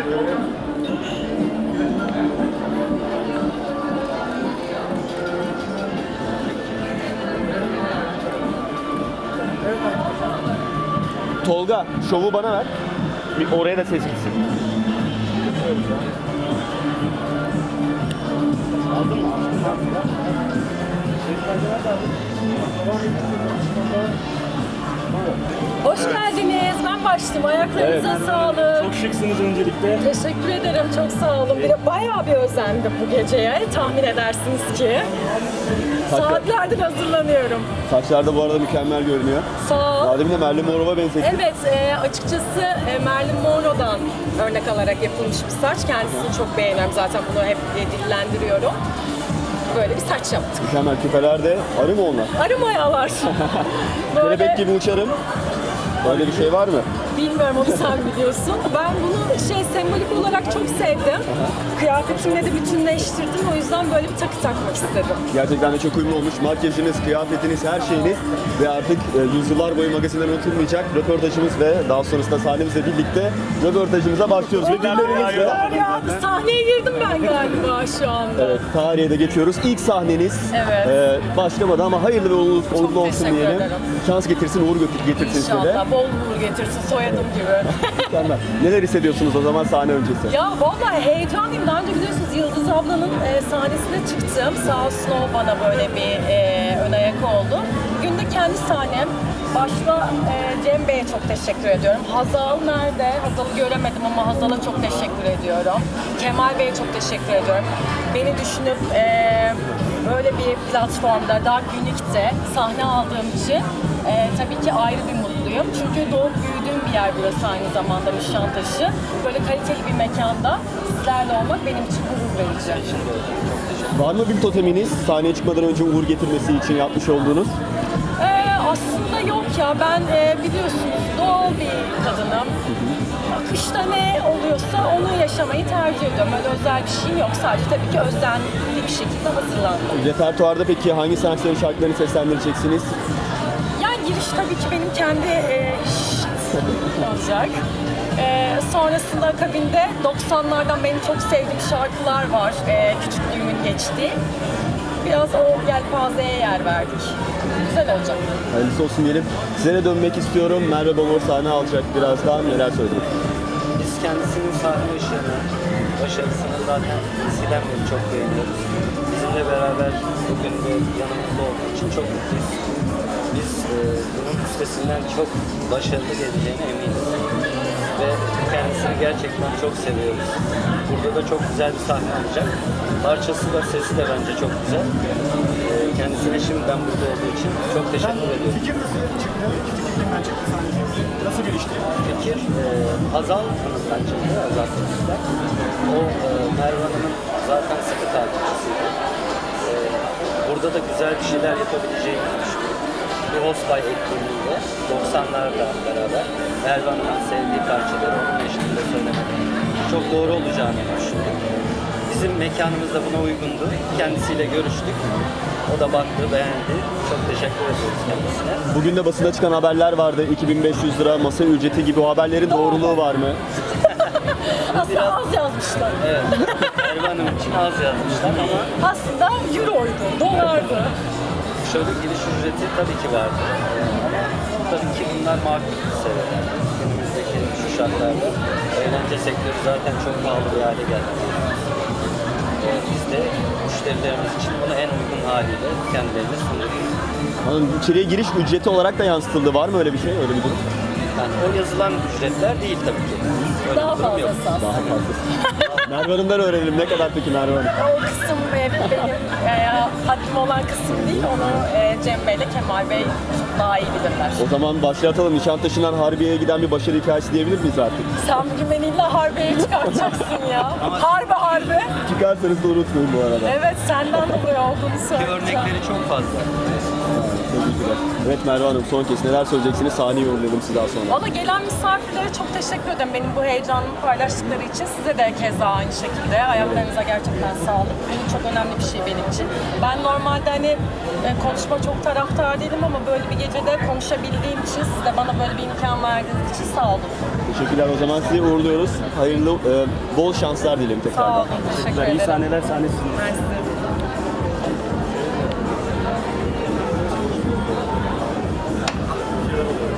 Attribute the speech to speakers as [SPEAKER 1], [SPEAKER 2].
[SPEAKER 1] Tolga, şovu bana ver. Bir oraya da ses gitsin.
[SPEAKER 2] Hoş geldiniz. Ben başladım. Ayaklarınıza sağlık.
[SPEAKER 1] Çok şıksınız öncelikle.
[SPEAKER 2] Teşekkür ederim. Çok sağ olun. Bir de bayağı bir özendim bu geceye. Tahmin edersiniz ki. Saatlerdir hazırlanıyorum.
[SPEAKER 1] Saçlar da bu arada mükemmel görünüyor.
[SPEAKER 2] Sağ ol.
[SPEAKER 1] Daha demin de Marilyn Monroe'a benzettim.
[SPEAKER 2] Evet, açıkçası Marilyn Monroe'dan örnek alarak yapılmış bir saç. Kendisini çok beğeniyorum. Zaten bunu hep dillendiriyorum. Böyle bir saç yaptık.
[SPEAKER 1] Mükemmel, küpeler de arı mı onlar?
[SPEAKER 2] Arı mayalar.
[SPEAKER 1] Kelebek gibi uçarım. Böyle bir şey var mı?
[SPEAKER 2] Bilmiyorum, onu sen biliyorsun. Ben bunu sembolik olarak çok sevdim. Kıyafetimle de bütünleştirdim. O yüzden böyle bir takı takmak istedim.
[SPEAKER 1] Gerçekten de çok uyumlu olmuş. Makyajınız, kıyafetiniz, her şeyiniz ve artık yüzyıllar boyu magazinden unutulmayacak röportajımız ve daha sonrasında sahnemizle birlikte röportajımıza başlıyoruz. Ve dillerimizle
[SPEAKER 2] Ya, sahneye girdim ben galiba şu anda.
[SPEAKER 1] evet, tarihe de geçiyoruz. İlk sahneniz
[SPEAKER 2] Evet.
[SPEAKER 1] başlamadı ama hayırlı ve uğurlu olsun
[SPEAKER 2] teşekkür
[SPEAKER 1] diyelim.
[SPEAKER 2] ederim.
[SPEAKER 1] Şans getirsin, uğur getirsin size.
[SPEAKER 2] İnşallah bol uğur getirsin, soyadım gibi.
[SPEAKER 1] Mükemmel. Neler hissediyorsunuz o zaman sahne öncesi?
[SPEAKER 2] Ya vallahi heyecanlıyım. Daha önce biliyorsunuz Yıldız ablanın sahnesine çıktım. Sağ olsun o bana böyle bir ön ayak oldu. Bugün de kendi sahnem. Başta Cem Bey'e çok teşekkür ediyorum. Hazal nerede? Hazal'ı göremedim ama Hazal'a çok teşekkür ediyorum. Kemal Bey'e çok teşekkür ediyorum. Beni düşünüp böyle bir platformda, Dark Unique'de sahne aldığım için tabii ki ayrı bir mutluyum. Çünkü doğup büyüdüğüm bir yer burası, aynı zamanda Nişantaşı. Böyle kaliteli bir mekanda sizlerle olmak benim için gurur verici.
[SPEAKER 1] Var mı bir toteminiz sahneye çıkmadan önce uğur getirmesi için yapmış olduğunuz?
[SPEAKER 2] Aslında yok ya, ben biliyorsunuz doğal bir kadınım. Akışta ne oluyorsa onu yaşamayı tercih ediyorum. Öyle özel bir şeyim yok. Sadece tabii ki özenli bir şekilde hazırlandım.
[SPEAKER 1] Repertuarda peki hangi sanatçıların şarkılarını seslendireceksiniz?
[SPEAKER 2] Yani giriş tabii ki benim kendi olacak. Sonrasında akabinde 90'lardan benim çok sevdiğim şarkılar var. Küçüklüğümün geçtiği. Biraz o yelpazeye yer verdik. Güzel olacak.
[SPEAKER 1] Hayırlısı olsun diyelim. Size de dönmek istiyorum. Merve Balor sahne alacak birazdan. Neler söyleyecek?
[SPEAKER 3] Biz kendisinin sahne ışığını, başarısını zaten eskiden beri çok beğeniyoruz. Bizimle beraber bugün de yanımızda olduğu için çok mutluyuz. Biz bunun üstesinden çok başarılı geleceğine eminiz. Ve kendisini gerçekten çok seviyoruz. Burada da çok güzel bir sahne alacak. Parçası da, sesi de bence çok güzel. Kendisine şimdiden burada olduğu için çok teşekkür ediyorum.
[SPEAKER 4] Fikir nasıl çıktı? Fikirden çıktı sahneye. Nasıl gelişti?
[SPEAKER 3] Fikir Hazal Hanım'dan çıktı, Hazal Hanım'dan. O Merve Hanım'ın zaten sıkı takipçisiydi. Burada da güzel bir şeyler yapabileceğimizi düşünüyorum. Bir Hostbay etkinliğiyle 90'larla beraber Merve Hanım'ın sevdiği parçaları onun eşliğinde söylemek çok doğru olacağını düşündüm. Bizim mekanımız da buna uygundu. Kendisiyle görüştük. O da baktı, beğendi. Çok teşekkür ediyoruz kendisine.
[SPEAKER 1] Bugün de basında çıkan haberler vardı. 2500 lira masa ücreti gibi, o haberlerin doğruluğu var mı?
[SPEAKER 2] Aslında az yazmışlar.
[SPEAKER 3] Evet, Merve Hanım için az yazmışlar ama
[SPEAKER 2] Aslında euroydu, dolardı.
[SPEAKER 3] şöyle giriş ücreti tabii ki vardı. Ama tabii ki bunlar makul seviyeler. Günümüzdeki şu şartlarda eğlence sektörü zaten çok pahalı bir hale geldi. Biz de müşterilerimiz için bunu en uygun haliyle kendilerine sunuyoruz.
[SPEAKER 1] Hanım, içeriye giriş ücreti olarak da yansıtıldı. Var mı öyle bir şey? Öyle bir durum?
[SPEAKER 3] Yani o yazılan ücretler değil tabii ki. Öyle
[SPEAKER 2] Daha
[SPEAKER 3] bir durum yok.
[SPEAKER 2] fazlası aslında.
[SPEAKER 1] Daha fazla. Merve Hanım'dan öğrenelim. Ne kadar peki Merve Hanım?
[SPEAKER 2] O kısım benim haddim olan kısım değil. Onu Cem Bey ile Kemal Bey daha iyi bilirler.
[SPEAKER 1] O zaman başlatalım. Nişantaşı'ndan Harbiye'ye giden bir başarı hikayesi diyebilir miyiz artık?
[SPEAKER 2] Sen bugün beni illa Harbiye'ye çıkartacaksın ya. Harbi.
[SPEAKER 1] Çıkarsanız da unutmayın bu arada.
[SPEAKER 2] Evet, senden dolayı olduğunu
[SPEAKER 3] Ki
[SPEAKER 2] söyleyeceğim.
[SPEAKER 3] örnekleri çok fazla.
[SPEAKER 1] Teşekkürler. Evet Merve Hanım, son kez neler söyleyeceksiniz? Sahneyi uğurlayalım siz daha sonra.
[SPEAKER 2] Valla gelen misafirlere çok teşekkür ederim benim bu heyecanımı paylaştıkları için. Size de keza aynı şekilde. Ayaklarınıza gerçekten sağlık. Bu çok önemli bir şey benim için. Ben normalde hani konuşma çok taraftar değilim ama böyle bir gecede konuşabildiğim için, siz de bana böyle bir imkan verdiğiniz için sağ olun.
[SPEAKER 1] Teşekkürler, o zaman sizi uğurluyoruz. Hayırlı, bol şanslar dilerim tekrardan.
[SPEAKER 2] Sağ olun, teşekkür ederim.
[SPEAKER 3] İyi sahneler, sahnesiniz.
[SPEAKER 2] Mersi.